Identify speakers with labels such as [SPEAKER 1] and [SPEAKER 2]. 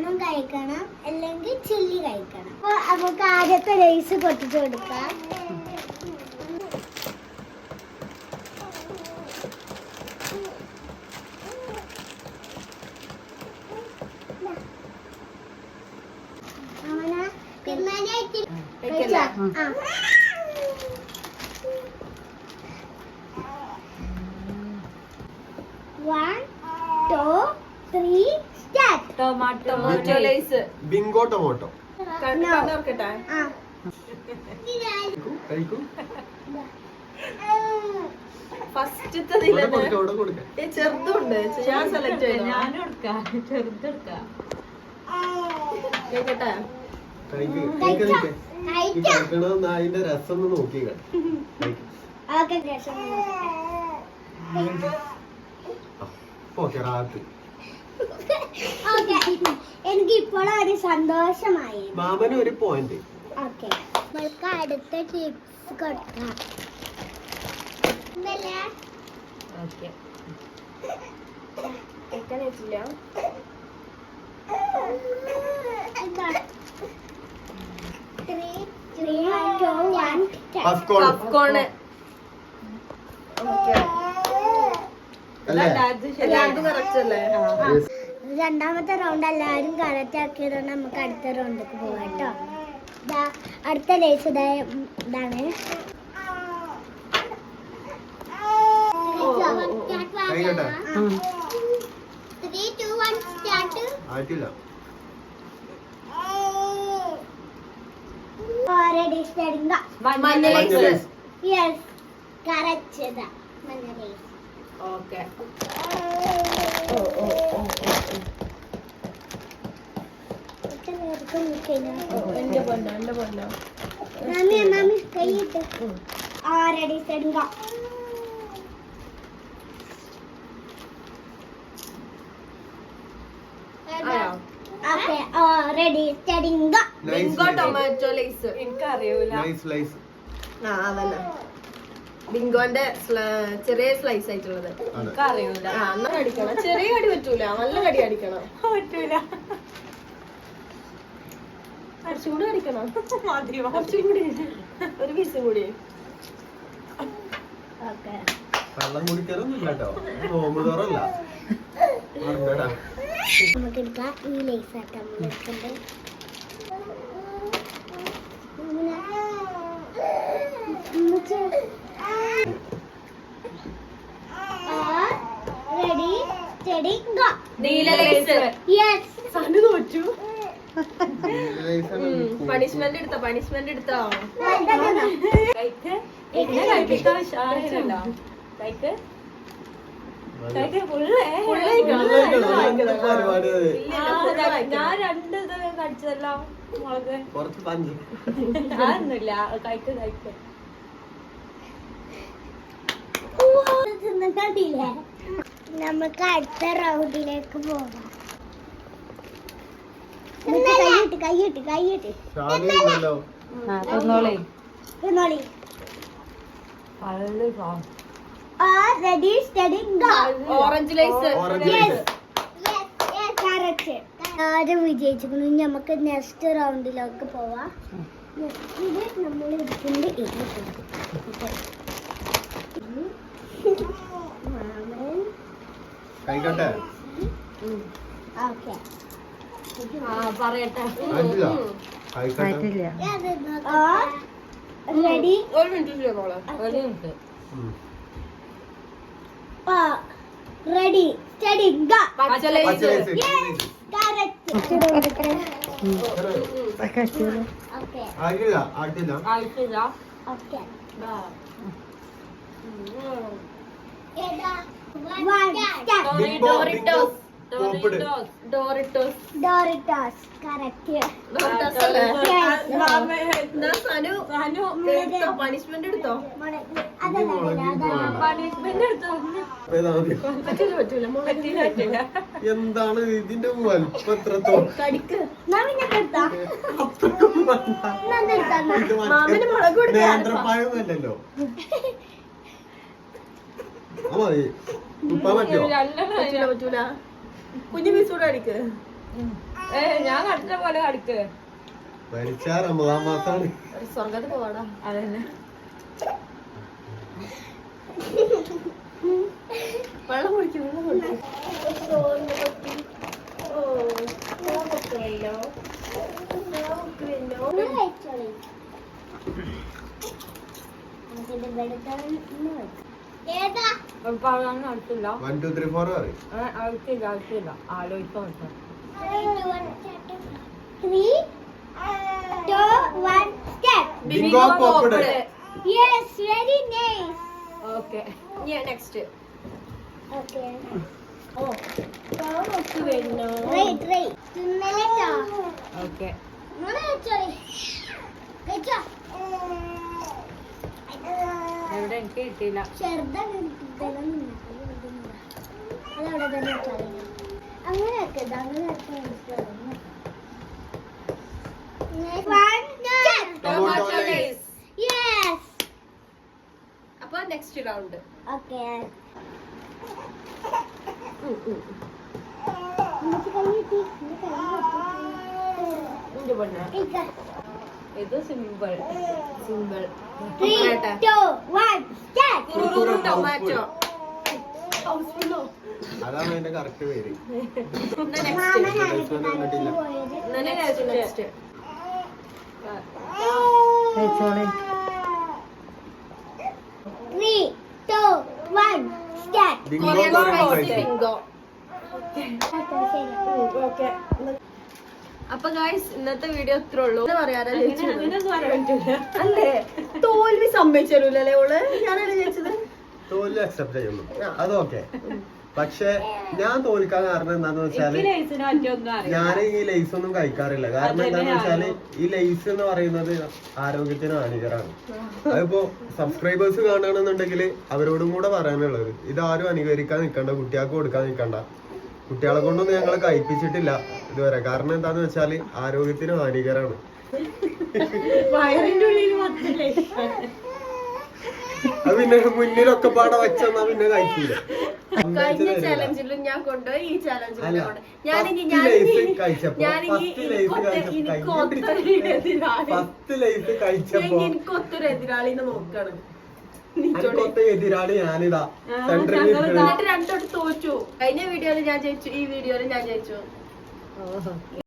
[SPEAKER 1] Lemon കഴിക്കണം അല്ലെങ്കിൽ chilli കഴിക്കണം. അപ്പോൾ നമുക്ക് ആദ്യത്തെ റൈസ് പൊട്ടിച്ചു കൊടുക്കാം.
[SPEAKER 2] ടൊമാറ്റോ ലൈസ്
[SPEAKER 3] ബിങ്കോ ടൊമാറ്റോ
[SPEAKER 2] ഫസ്റ്റത്തെ ചെറുതുണ്ട് ഞാൻ സെലക്ട് ചെയ്തു. ഞാനും എടുക്കാം ചെറുതെടുക്കാം കേക്കട്ടെ.
[SPEAKER 3] അതിന്റെ രസം നോക്കി
[SPEAKER 1] എനിക്ക് ഇപ്പോഴും ഒരു സന്തോഷമായി.
[SPEAKER 3] മാമന് ഒരു പോയിന്റ്.
[SPEAKER 1] ഓക്കെ, നമ്മൾക്ക് അടുത്ത ടിപ്സ് കൊടുക്കാം. രണ്ടാമത്തെ റൗണ്ട് എല്ലാവരും കറക്റ്റ് ആക്കിയതുകൊണ്ട് നമുക്ക് അടുത്ത റൗണ്ടിലേക്ക് പോവാം കേട്ടോ. അടുത്ത ലേസ് ഇതാണ്.
[SPEAKER 2] ഓക്കെ ടൊമാറ്റോ ലൈസ് എനിക്കറിയൂല. അതന്നെ ബിങ്കോന്റെ ചെറിയ സ്ലൈസ് ആയിട്ടുള്ളത് എനിക്കറിയൂല. എന്നാ കടിക്കണം, ചെറിയ കടി പറ്റൂല, നല്ല കടി അടിക്കണം. പറ്റൂല, കുറച്ചും കൂടി അടിക്കണം. കുറച്ചും കൂടി, ഒരു പീസും കൂടി.
[SPEAKER 3] വെള്ളം കുടിക്കാനൊന്നും കേട്ടോ, നോമ്പ് തുറല്ല.
[SPEAKER 1] നമുക്ക് എടുക്കാം ഈ ലേസ് ആക്കാം. Ready steady go. നീല ലൈസ്. യെസ്, സനു തോറ്റു.
[SPEAKER 2] പണിഷ്മെന്റ് എടുത്തോ, പണിഷ്മെന്റ് എടുത്തോ. ഞാൻ രണ്ട് ഇത് കടിച്ചതല്ലോ മുളക്. അതൊന്നുമില്ല, കഴിക്ക് കഴിക്ക്.
[SPEAKER 1] നമുക്ക് അടുത്ത റൗണ്ടിലേക്ക് പോകാം. കൈയിട്ട് ready steady go.
[SPEAKER 2] Orange Lay's.
[SPEAKER 1] ആരും വിജയിച്ചിരിക്കുന്നു. നമുക്ക് നെക്സ്റ്റ് റൗണ്ടിലേക്ക് പോവാം. ഇത് നമ്മൾ എടുക്കുന്നത് ഓക്കെ
[SPEAKER 2] പറയട്ടെ.
[SPEAKER 1] റെഡി
[SPEAKER 2] ഒരു minute
[SPEAKER 1] ready steady go. Doritos correct.
[SPEAKER 2] Punishment എടുത്തോ.
[SPEAKER 3] എന്താണ് ഇതിന്റെ വലിപ്പം എത്രത്തോളം? നേന്ത്രപ്പായൊന്നുമല്ലല്ലോ.
[SPEAKER 2] പറ്റൂല. കുഞ്ഞു പീസ് കൂടെ അടിക്ക്. ഞാൻ കടിച്ച പോലെ കടിക്ക്.
[SPEAKER 3] മരിച്ചാ റമദാൻ മാസാണ്.
[SPEAKER 2] സ്വർഗത്ത് പോവാടാ. അതന്നെ. വെള്ളം കുടിക്കും, വെള്ളം കുടിക്കും. അടുത്തില്ല,
[SPEAKER 3] 1 2 3 4 പറയും.
[SPEAKER 2] അടുത്തില്ല, അടുത്തില്ല. ആലോചിക്കാൻ പറ്റും.
[SPEAKER 1] 3 2 1 start.
[SPEAKER 3] ബിങ്കോ പോപ്പഡ്.
[SPEAKER 1] Yes, very nice.
[SPEAKER 2] Okay. Yeah, next.
[SPEAKER 1] Okay.
[SPEAKER 2] Oh. വരുന്നു.
[SPEAKER 1] Try. തിന്നല്ലേ ട്ടോ.
[SPEAKER 2] Okay.
[SPEAKER 1] മോനെ ചോളി. കഴിച്ചോ.
[SPEAKER 2] എവിടെ എനിക്ക് കിട്ടിയില്ല.
[SPEAKER 1] ചെറുതാണ് അതവിടെ തന്നെ വെച്ചാൽ അങ്ങനെയൊക്കെ
[SPEAKER 3] Tomato lace.
[SPEAKER 1] യെസ്
[SPEAKER 2] അപ്പൊ നെക്സ്റ്റ് റൗണ്ട്.
[SPEAKER 1] ഓക്കെ
[SPEAKER 2] എന്റെ പൊന്നെ, ഇത് സിമ്പിൾ സിമ്പിൾ.
[SPEAKER 1] 3 2 1 start.
[SPEAKER 2] ടൊമാറ്റോ.
[SPEAKER 3] അതാണ് അതിന്റെ കറക്റ്റ് പേര്.
[SPEAKER 2] Next.
[SPEAKER 1] 3 2 1 start.
[SPEAKER 3] Bingo
[SPEAKER 2] Korean
[SPEAKER 3] Korean
[SPEAKER 2] spicy
[SPEAKER 3] spicy.
[SPEAKER 2] Bingo.
[SPEAKER 1] ശരി
[SPEAKER 2] അപ്പൊ ഗായ്സ്, ഇന്നത്തെ വീഡിയോ ഇത്ര ഉള്ളൂ. പറയാതെ അല്ലേ, തോൽവി സമ്മതിച്ചല്ലേ ഓള്. ഞാനല്ലേ ചോദിച്ചത്.
[SPEAKER 3] തോൽവി അക്സെപ്റ്റ് ചെയ്യുന്നു, അതൊക്കെ. പക്ഷെ ഞാൻ തോൽക്കാൻ കാരണം എന്താന്ന് വെച്ചാല് ഞാൻ ഈ ലേസ് ഒന്നും കഴിക്കാറില്ല. കാരണം എന്താന്ന് വെച്ചാല് ഈ ലേസ് എന്ന് പറയുന്നത് ആരോഗ്യത്തിന് ഹാനികരമാണ്. അതിപ്പോ സബ്സ്ക്രൈബേഴ്സ് കാണുകയാണെന്നുണ്ടെങ്കിൽ അവരോടും കൂടെ പറയാനുള്ളത്, ഇതാരും അനുകരിക്കാൻ നിൽക്കണ്ട, കുട്ടികൾക്ക് കൊടുക്കാൻ നിൽക്കണ്ട. കുട്ടികളെ കൊണ്ടൊന്നും ഞങ്ങൾ കഴിപ്പിച്ചിട്ടില്ല ഇതുവരെ. കാരണം എന്താന്ന് വെച്ചാല് ആരോഗ്യത്തിന് ഹാനികരമാണ്.
[SPEAKER 2] വയറിന്റെ ഉള്ളിൽ
[SPEAKER 3] അത് പിന്നെ മുന്നിലൊക്കെ പാടെ വെച്ചെന്നാ പിന്നെ കഴിക്കൂല.
[SPEAKER 2] കഴിഞ്ഞ ചാലഞ്ചിലും ഞാൻ കൊണ്ടുപോയി, ഈ ചാലഞ്ചിലും
[SPEAKER 3] അല്ല,
[SPEAKER 2] ഞാനിനി
[SPEAKER 3] ഫസ്റ്റ് ലേസ് കഴിച്ചപ്പോ
[SPEAKER 2] എനിക്കൊത്തൊരു എതിരാളിന്ന് നോക്കണം.
[SPEAKER 3] എനിക്കൊത്ത എതിരാളി ഞാനിതാ സെന്ററിൽ
[SPEAKER 2] എന്നിട്ട് രണ്ടോട്ട് തോറ്റു. കഴിഞ്ഞ വീഡിയോയിൽ ഞാൻ ജയിച്ചു, ഈ വീഡിയോയിൽ ഞാൻ ജയിച്ചു.